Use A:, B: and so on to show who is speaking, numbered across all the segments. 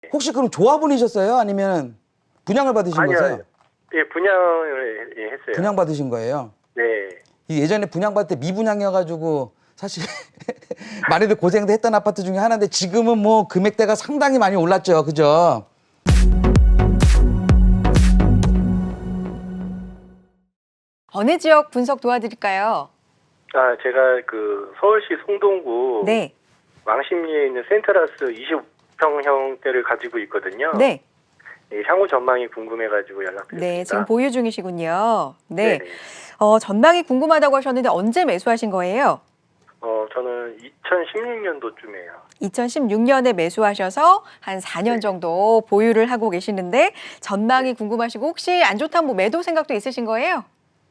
A: 혹시 그럼 조합원이셨어요? 아니면 분양을 받으신
B: 아니요.
A: 거세요?
B: 예, 분양을 했어요.
A: 분양 받으신 거예요?
B: 네.
A: 이 예전에 분양 받을 때 미분양이어가지고 사실 많이들 고생도 했던 아파트 중에 하나인데 지금은 뭐 금액대가 상당히 많이 올랐죠. 그죠?
C: 어느 지역 분석 도와드릴까요?
B: 아, 제가 그 서울시 송동구
C: 네.
B: 왕십리에 있는 센트라스 20평형대를 가지고 있거든요.
C: 네.
B: 예, 향후 전망이 궁금해가지고 연락드렸습니다.
C: 네, 지금 보유 중이시군요. 네.
B: 네네.
C: 전망이 궁금하다고 하셨는데 언제 매수하신 거예요?
B: 저는 2016년도쯤에요.
C: 2016년에 매수하셔서 한 4년
B: 네.
C: 정도 보유를 하고 계시는데 전망이 궁금하시고 혹시 안 좋다면 뭐 매도 생각도 있으신 거예요?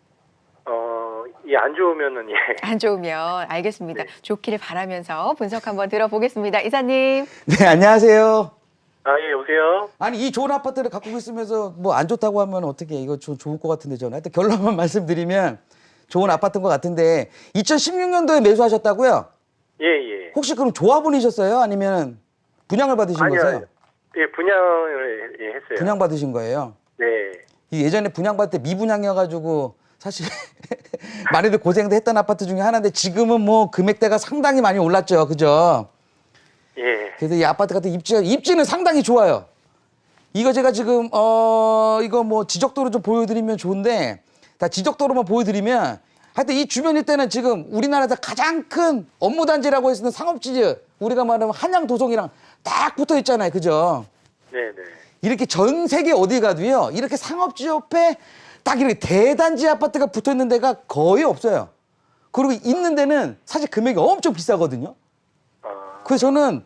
B: 예, 안 좋으면은 예.
C: 안 좋으면 알겠습니다.
B: 네.
C: 좋기를 바라면서 분석 한번 들어보겠습니다. 이사님.
A: 네, 안녕하세요.
B: 아, 예, 여보세요?
A: 아니 이 좋은 아파트를 갖고 있으면서 뭐 안 좋다고 하면 어떻게 이거 좋을 것 같은데 저는 하여튼 결론만 말씀드리면 좋은 아파트인 것 같은데 2016년도에 매수하셨다고요?
B: 예, 예.
A: 혹시 그럼 조합원이셨어요? 아니면 분양을 받으신
B: 아니요.
A: 거세요?
B: 예, 분양을 예, 했어요.
A: 분양 받으신 거예요?
B: 네.
A: 이 예전에 분양 받을 때 미분양이어가지고 사실 많이들 고생도 했던 아파트 중에 하나인데 지금은 뭐 금액대가 상당히 많이 올랐죠. 그죠?
B: 예.
A: 그래서 이 아파트 같은 입지는 상당히 좋아요. 이거 제가 지금 이거 뭐 지적도로 좀 보여드리면 좋은데 다 지적도로만 보여드리면 하여튼 이 주변 일대는 지금 우리나라에서 가장 큰 업무단지라고 해서 상업지지 우리가 말하면 한양도성이랑 딱 붙어 있잖아요. 그죠?
B: 네, 네.
A: 이렇게 전 세계 어디 가도요. 이렇게 상업지 옆에 딱 이렇게 대단지 아파트가 붙어 있는 데가 거의 없어요. 그리고 있는 데는 사실 금액이 엄청 비싸거든요. 그래서 저는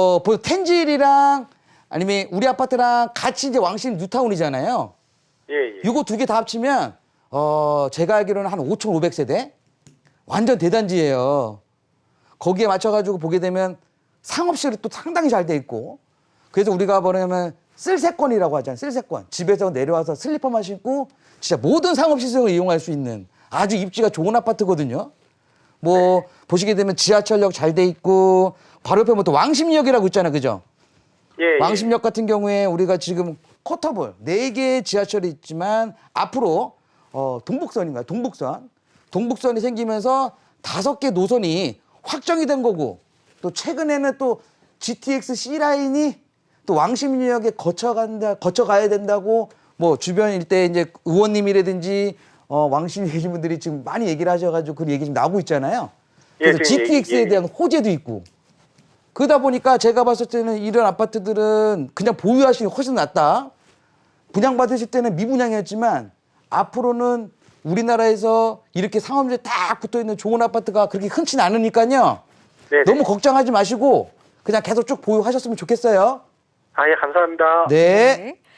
A: 텐질이랑 아니면 우리 아파트랑 같이 이제 왕신 뉴타운이잖아요.
B: 예, 예.
A: 이거 두 개 다 합치면 제가 알기로는 한 5,500세대 완전 대단지예요. 거기에 맞춰가지고 보게 되면 상업실이 또 상당히 잘 돼 있고 그래서 우리가 뭐냐면 쓸세권이라고 하잖아요. 쓸세권. 집에서 내려와서 슬리퍼만 신고 진짜 모든 상업시설을 이용할 수 있는 아주 입지가 좋은 아파트거든요. 뭐 보시게 되면 지하철역 잘 돼 있고 바로 옆에 뭐 또 왕십리역이라고 있잖아요. 그죠?
B: 예, 예.
A: 왕십역 같은 경우에 우리가 지금 쿼터볼 4개의 지하철이 있지만 앞으로 동북선인가요? 동북선이 생기면서 5개 노선이 확정이 된 거고 또 최근에는 또 GTX C라인이 또 왕십리역에 거쳐가야 된다고 뭐 주변 일대 이제 의원님이라든지 왕십리에 계신 분들이 지금 많이 얘기를 하셔가지고 그 얘기 좀 나오고 있잖아요. 그래서
B: 예,
A: GTX에 대한 호재도 있고 그러다 보니까 제가 봤을 때는 이런 아파트들은 그냥 보유하시는 게 훨씬 낫다. 분양받으실 때는 미분양이었지만 앞으로는 우리나라에서 이렇게 상업지에 딱 붙어있는 좋은 아파트가 그렇게 흔치 않으니까요.
B: 네,
A: 너무 걱정하지 마시고 그냥 계속 쭉 보유하셨으면 좋겠어요.
B: 아, 예, 감사합니다.
A: 네.
C: 네.